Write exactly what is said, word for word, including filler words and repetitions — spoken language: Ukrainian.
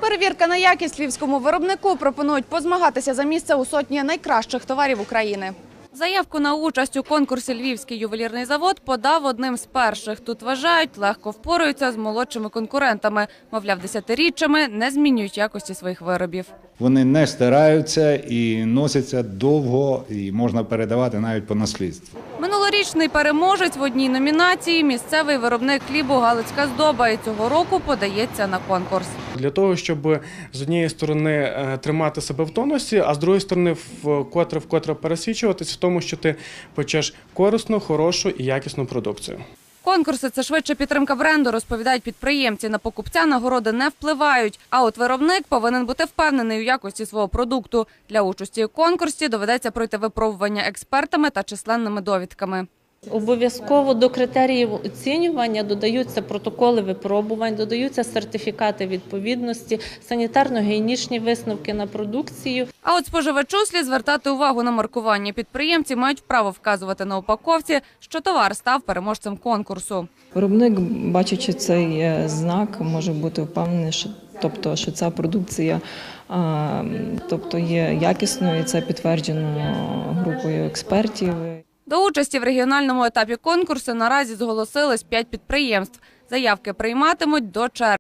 Перевірка на якість львівському виробнику пропонують позмагатися за місце у сотні найкращих товарів України. Заявку на участь у конкурсі «Львівський ювелірний завод» подав одним з перших. Тут вважають, легко впораються з молодшими конкурентами. Мовляв, десятиріччями не змінюють якості своїх виробів. Вони не стираються і носяться довго, і можна передавати навіть по наслідству. Минулорічний переможець в одній номінації – місцевий виробник хлібу «Галицька здоба» і цього року подається на конкурс. Для того, щоб з однієї сторони тримати себе в тонусі, а з другої сторони вкотре-вкотре пересвідчуватись в тому, що ти печеш корисну, хорошу і якісну продукцію. Конкурси – це швидше підтримка бренду, розповідають підприємці. На покупця нагороди не впливають. А от виробник повинен бути впевнений у якості свого продукту. Для участі у конкурсі доведеться пройти випробування експертами та численними довідками. Обов'язково до критеріїв оцінювання додаються протоколи випробувань, додаються сертифікати відповідності, санітарно-гігієнічні висновки на продукцію. А от споживачу слід звертати увагу на маркування. Підприємці мають право вказувати на упаковці, що товар став переможцем конкурсу. Виробник, бачачи цей знак, може бути впевнений, що Тобто, що ця продукція тобто, є якісною, і це підтверджено групою експертів. До участі в регіональному етапі конкурсу наразі зголосились п'ять підприємств. Заявки прийматимуть до червня.